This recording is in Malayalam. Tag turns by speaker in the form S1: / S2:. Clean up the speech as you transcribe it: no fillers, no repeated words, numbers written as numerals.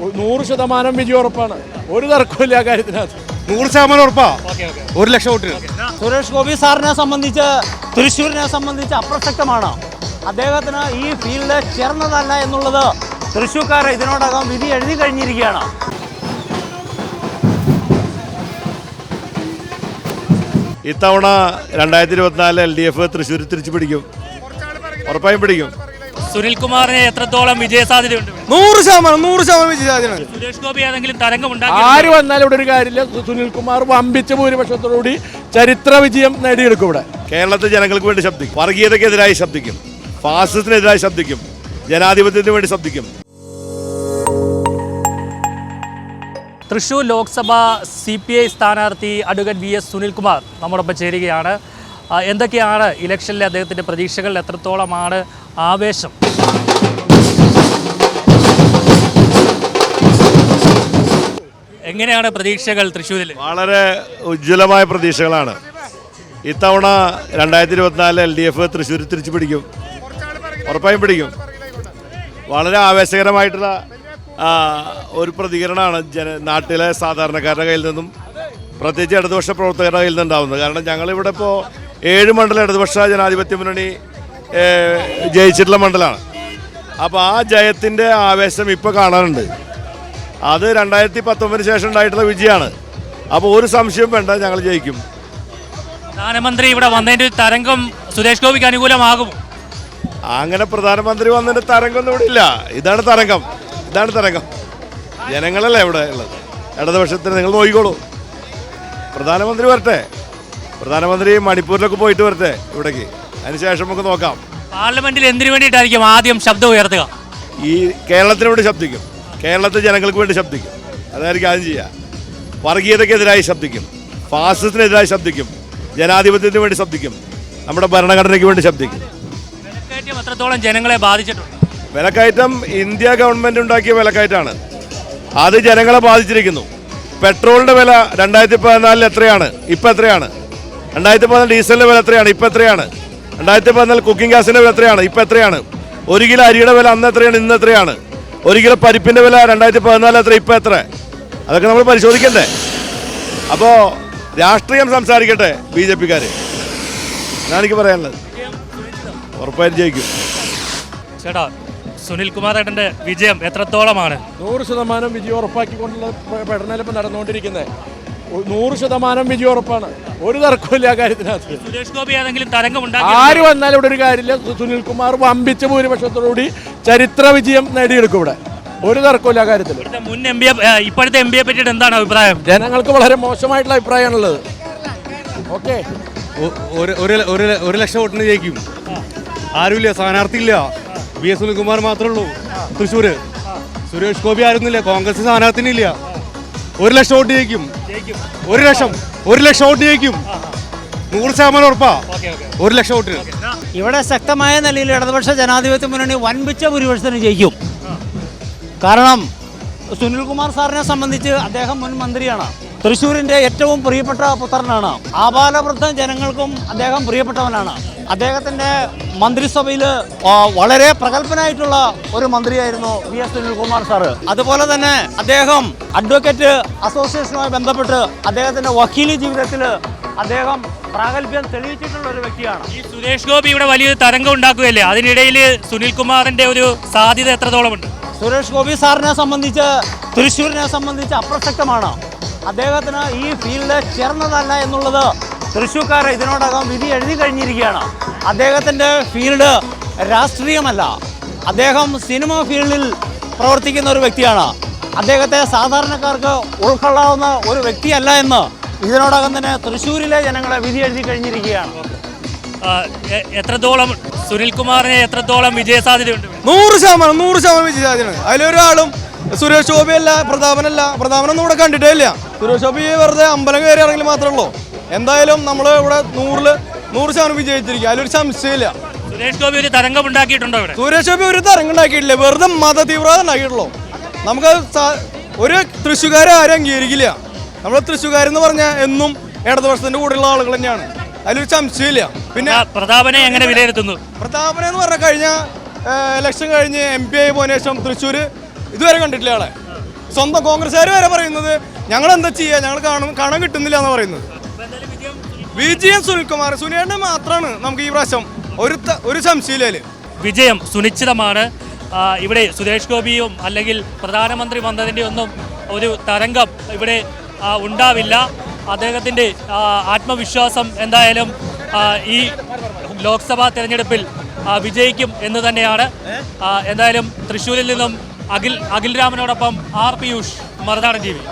S1: 100% വിജയം ഉറപ്പാണ്. ഒരു തർക്കമില്ല കാര്യത്തിനകത്ത്.
S2: 100% ഉറപ്പാ. 1 ലക്ഷം വോട്ടിന്.
S3: സുരേഷ് ഗോപി സാറിനെ സംബന്ധിച്ച് തൃശ്ശൂരിനെ സംബന്ധിച്ച് അപ്രസക്തമാണ്. അദ്ദേഹത്തിന് ഈ ഫീൽഡ് ചേർന്നതല്ല എന്നുള്ളത് തൃശ്ശൂർക്കാരെ ഇതിനോടകം വിധി എഴുതി കഴിഞ്ഞിരിക്കുകയാണ്.
S4: ഇത്തവണ 2024 LDF തൃശ്ശൂർ തിരിച്ചു പിടിക്കും, ഉറപ്പായും പിടിക്കും.
S5: സുനിൽകുമാറിന് എത്രത്തോളം വിജയസാധ്യതയുണ്ട്?
S2: 100% വിജയസാധ്യത.
S5: സുരേഷ് ഗോപി ഏതെങ്കിലും തരംഗം
S1: ആര് വന്നാലും ഇവിടെ ഒരു കാര്യമില്ല. സുനിൽകുമാർ വമ്പിച്ച ഭൂരിപക്ഷത്തോടുകൂടി ചരിത്ര വിജയം നേടിയെടുക്കും. ഇവിടെ
S4: കേരളത്തിലെ ജനങ്ങൾക്ക് വേണ്ടി ശബ്ദിക്കും, വർഗീയതയ്ക്കെതിരായി ശബ്ദിക്കും, ഫാസിസത്തിനെതിരായി ശബ്ദിക്കും, ജനാധിപത്യത്തിന് വേണ്ടി ശബ്ദിക്കും.
S5: തൃശ്ശൂർ ലോക്സഭ CPI സ്ഥാനാർത്ഥി അഡ്വക്കേറ്റ് VS സുനിൽകുമാർ നമ്മോടൊപ്പം ചേരുകയാണ്. എന്തൊക്കെയാണ് ഇലക്ഷനിലെ അദ്ദേഹത്തിൻ്റെ പ്രതീക്ഷകൾ? എത്രത്തോളമാണ് ആവേശം? എങ്ങനെയാണ് പ്രതീക്ഷകൾ തൃശ്ശൂരിൽ?
S4: വളരെ ഉജ്ജ്വലമായ പ്രതീക്ഷകളാണ്. ഇത്തവണ 2024 LDF തൃശ്ശൂർ തിരിച്ചു പിടിക്കും, ഉറപ്പായും പിടിക്കും. വളരെ ആവേശകരമായിട്ടുള്ള ഒരു പ്രതികരണമാണ് നാട്ടിലെ സാധാരണക്കാരുടെ കയ്യിൽ നിന്നും, പ്രത്യേകിച്ച് ഇടതുപക്ഷ പ്രവർത്തകരുടെ കയ്യിൽ നിന്നുണ്ടാവുന്നത്. കാരണം ഞങ്ങളിവിടെ ഇപ്പോൾ 7 മണ്ഡലം ഇടതുപക്ഷ ജനാധിപത്യ മുന്നണി ജയിച്ചിട്ടുള്ള മണ്ഡലമാണ്. അപ്പോൾ ആ ജയത്തിൻ്റെ ആവേശം ഇപ്പോൾ കാണാനുണ്ട്. അത് 2019 ശേഷം ഉണ്ടായിട്ടുള്ള വിജയമാണ്. അപ്പോൾ ഒരു സംശയം വേണ്ട, ഞങ്ങൾ ജയിക്കും.
S5: പ്രധാനമന്ത്രി ഇവിടെ വന്നതിൻ്റെ തരംഗം സുരേഷ് ഗോപിക്ക് അനുകൂലമാകും?
S4: അങ്ങനെ പ്രധാനമന്ത്രി വന്നതിൻ്റെ തരംഗമൊന്നും ഇവിടെ ഇല്ല. ഇതാണ് തരംഗം, ഇതാണ് തരംഗം. ജനങ്ങളല്ലേ ഇവിടെ ഉള്ളത്. ഇടതുപക്ഷത്തിന് നിങ്ങൾ നോക്കിക്കോളൂ. പ്രധാനമന്ത്രി വരട്ടെ, പ്രധാനമന്ത്രി മണിപ്പൂരിലൊക്കെ പോയിട്ട് വരട്ടെ ഇവിടേക്ക്, അതിനുശേഷം നമുക്ക് നോക്കാം.
S5: പാർലമെന്റിൽ എന്തിനു വേണ്ടിയിട്ടായിരിക്കും ആദ്യം ശബ്ദം ഉയർത്തുക?
S4: ഈ കേരളത്തിന് വേണ്ടി ശബ്ദിക്കും, കേരളത്തിലെ ജനങ്ങൾക്ക് വേണ്ടി ശബ്ദിക്കും. അതായിരിക്കും ആദ്യം ചെയ്യുക. വർഗീയതയ്ക്കെതിരായി ശബ്ദിക്കും, ഫാസിസത്തിനെതിരായി ശബ്ദിക്കും, ജനാധിപത്യത്തിന് വേണ്ടി ശബ്ദിക്കും, നമ്മുടെ ഭരണഘടനയ്ക്ക് വേണ്ടി ശബ്ദിക്കും.
S5: വിലക്കയറ്റം എത്രത്തോളം ജനങ്ങളെ ബാധിച്ചിട്ടുണ്ട്?
S4: വിലക്കയറ്റം ഇന്ത്യ ഗവൺമെൻറ് ഉണ്ടാക്കിയ വിലക്കയറ്റമാണ്. അത് ജനങ്ങളെ ബാധിച്ചിരിക്കുന്നു. പെട്രോളിൻ്റെ വില 2014 എത്രയാണ്, ഇപ്പം എത്രയാണ്? 2014 ഡീസലിൻ്റെ വില എത്രയാണ്, ഇപ്പം എത്രയാണ്? 2014 കുക്കിംഗ് ഗ്യാസിൻ്റെ വില എത്രയാണ്, ഇപ്പം എത്രയാണ്? 1 കിലോ അരിയുടെ വില അന്ന് എത്രയാണ്, ഇന്ന് എത്രയാണ്? 1 കിലോ പരിപ്പിൻ്റെ വില 2014 എത്ര, ഇപ്പം എത്ര? അതൊക്കെ നമ്മൾ പരിശോധിക്കണ്ടേ? അപ്പോൾ രാഷ്ട്രീയം സംസാരിക്കട്ടെ BJP-ക്കാർ. എന്നാണ് എനിക്ക് പറയാനുള്ളത്. ഉറപ്പായും ജയിക്കും.
S5: ചേട്ടാ, സുനിൽകുമാർ ഏട്ടൻ്റെ വിജയം എത്രത്തോളമാണ്?
S1: 100% വിജയം ഉറപ്പാക്കിക്കൊണ്ടുള്ള പഠനം ഇപ്പോൾ നടന്നുകൊണ്ടിരിക്കുന്നത്. 100% വിജയം ഉറപ്പാണ്. ഒരു തർക്കമില്ല കാര്യത്തിനകത്ത്.
S5: സുരേഷ് ഗോപി ഏതെങ്കിലും തരംഗം
S1: ആര് വന്നാലും ഇവിടെ ഒരു കാര്യമില്ല. സുനിൽകുമാർ വമ്പിച്ച ഭൂരിപക്ഷത്തോടുകൂടി ചരിത്ര വിജയം നേടിയെടുക്കും. ഇവിടെ ഒരു തർക്കമില്ല കാര്യത്തിൽ.
S5: ഇപ്പോഴത്തെ MP പറ്റിയിട്ട് എന്താണ് അഭിപ്രായം?
S1: ജനങ്ങൾക്ക് വളരെ മോശമായിട്ടുള്ള അഭിപ്രായമാണുള്ളത്. ഓക്കെ,
S2: 1 ലക്ഷം വോട്ടിന് ജയിക്കും. ആരുമില്ല, സ്ഥാനാർത്ഥി ഇല്ല. VS സുനിൽകുമാർ മാത്രമേ ഉള്ളൂ തൃശ്ശൂര്. സുരേഷ് ഗോപി ആയിരുന്നില്ല, കോൺഗ്രസ് സ്ഥാനാർത്ഥിനില്ല. 1 ലക്ഷം വോട്ട് ജയിക്കും. 1 ലക്ഷം വോട്ട് ജയിക്കും. 100% ഉറപ്പാ. 1 ലക്ഷം വോട്ടിന്.
S3: ഇവിടെ ശക്തമായ നിലയിൽ ഇടതുപക്ഷ ജനാധിപത്യ മുന്നണി വൻപിച്ച ഭൂരിപക്ഷത്തിന് ജയിക്കും. കാരണം സുനിൽകുമാർ സാറിനെ സംബന്ധിച്ച് അദ്ദേഹം മുൻ മന്ത്രിയാണ്. തൃശ്ശൂരിൻ്റെ ഏറ്റവും പ്രിയപ്പെട്ട പുത്രനാണ്. ആബാലവൃദ്ധ ജനങ്ങൾക്കും അദ്ദേഹം പ്രിയപ്പെട്ടവനാണ്. അദ്ദേഹത്തിൻ്റെ മന്ത്രിസഭയിൽ വളരെ പ്രഗത്ഭനായിട്ടുള്ള ഒരു മന്ത്രിയായിരുന്നു VS സുനിൽകുമാർ സാറ്. അതുപോലെ തന്നെ അദ്ദേഹം അഡ്വക്കേറ്റ് അസോസിയേഷനുമായി ബന്ധപ്പെട്ട് അദ്ദേഹത്തിൻ്റെ വക്കീലി ജീവിതത്തിൽ അദ്ദേഹം പ്രാഗൽഭ്യം തെളിയിച്ചിട്ടുള്ള ഒരു വ്യക്തിയാണ്.
S5: ഈ സുരേഷ് ഗോപി ഇവിടെ വലിയൊരു തരംഗം ഉണ്ടാക്കുകയല്ലേ, അതിനിടയിൽ സുനിൽകുമാറിൻ്റെ ഒരു സാധ്യത എത്രത്തോളമുണ്ട്?
S3: സുരേഷ് ഗോപി സാറിനെ സംബന്ധിച്ച് തൃശ്ശൂരിനെ സംബന്ധിച്ച് അപ്രസക്തമാണ്. അദ്ദേഹത്തിന് ഈ ഫീൽഡ് ചേർന്നതല്ല എന്നുള്ളത് തൃശ്ശൂർക്കാരെ ഇതിനോടകം വിധി എഴുതി കഴിഞ്ഞിരിക്കുകയാണ്. അദ്ദേഹത്തിൻ്റെ ഫീൽഡ് രാഷ്ട്രീയമല്ല, അദ്ദേഹം സിനിമ ഫീൽഡിൽ പ്രവർത്തിക്കുന്ന ഒരു വ്യക്തിയാണ്. അദ്ദേഹത്തെ സാധാരണക്കാർക്ക് ഉൾക്കൊള്ളാവുന്ന ഒരു വ്യക്തിയല്ല എന്ന് ഇതിനോടകം തന്നെ തൃശ്ശൂരിലെ ജനങ്ങളെ വിധി എഴുതി കഴിഞ്ഞിരിക്കുകയാണ്.
S5: എത്രത്തോളം സുനിൽകുമാറിന് എത്രത്തോളം വിജയസാധ്യതയുണ്ട്?
S2: 100% വിജയസാധ്യതയാണ്. അതിലൊരാളും സുരേഷ് ഗോപിയല്ല, പ്രതാപനൊന്നും ഇവിടെ കണ്ടിട്ടേ ഇല്ല. സുരേഷ് ഗോപി വെറുതെ അമ്പലം കയറി ഇറങ്ങി മാത്രമേ ഉള്ളൂ. എന്തായാലും നമ്മൾ ഇവിടെ 100% വിജയിച്ചിരിക്കും, അതിലൊരു സംശയമില്ല.
S5: സുരേഷ് ഗോപി ഒരു തരംഗം ഉണ്ടാക്കിയിട്ടുണ്ടോ ഇവിടെ?
S2: സുരേഷ് ഗോപി ഒരു തരംഗം ഉണ്ടാക്കിയിട്ടില്ല, വെറുതെ മത തീവ്രത ഉണ്ടാക്കിയിട്ടുള്ളൂ. നമുക്ക് ഒരു തൃശ്ശൂകാരെ ആരും അംഗീകരിക്കില്ല. നമ്മൾ തൃശ്ശൂകാരെന്ന് പറഞ്ഞാൽ എന്നും ഇടതുപക്ഷത്തിൻ്റെ കൂടെയുള്ള ആളുകൾ തന്നെയാണ്, അതിലൊരു സംശയമില്ല. പിന്നെ
S5: പ്രതാപനെ എങ്ങനെ വിലയിരുത്തുന്നു?
S2: പ്രതാപനെ എന്ന് പറഞ്ഞാൽ കഴിഞ്ഞ ഇലക്ഷൻ കഴിഞ്ഞ് MP ആയി പോയതിനു ശേഷം തൃശ്ശൂർ ഇതുവരെ കണ്ടിട്ടില്ല ആളെ.
S6: സ്വന്തം കോൺഗ്രസ്സുകാർ വരെ പറയുന്നത് ഞങ്ങൾ എന്താ ചെയ്യുക, ഞങ്ങൾ കാണാൻ കിട്ടുന്നില്ല എന്ന് പറയുന്നത്. വിജയം സുനിൽകുമാർ, സുനിയേട്ടനെ മാത്രമാണ് നമുക്ക് ഈ പ്രാവശ്യം ഒരു സംശയമില്ല.
S5: വിജയം സുനിശ്ചിതമാണ്. ഇവിടെ സുരേഷ് ഗോപിയും അല്ലെങ്കിൽ പ്രധാനമന്ത്രി വന്നതിൻ്റെ ഒന്നും ഒരു തരംഗം ഇവിടെ ഉണ്ടാവില്ല. അദ്ദേഹത്തിൻ്റെ ആത്മവിശ്വാസം എന്തായാലും ഈ ലോക്സഭാ തെരഞ്ഞെടുപ്പിൽ വിജയിക്കും എന്ന് തന്നെയാണ്. എന്തായാലും തൃശ്ശൂരിൽ നിന്നും അഖിൽ രാമനോടൊപ്പം ആർ പിയൂഷ്, മറുനാടൻ TV.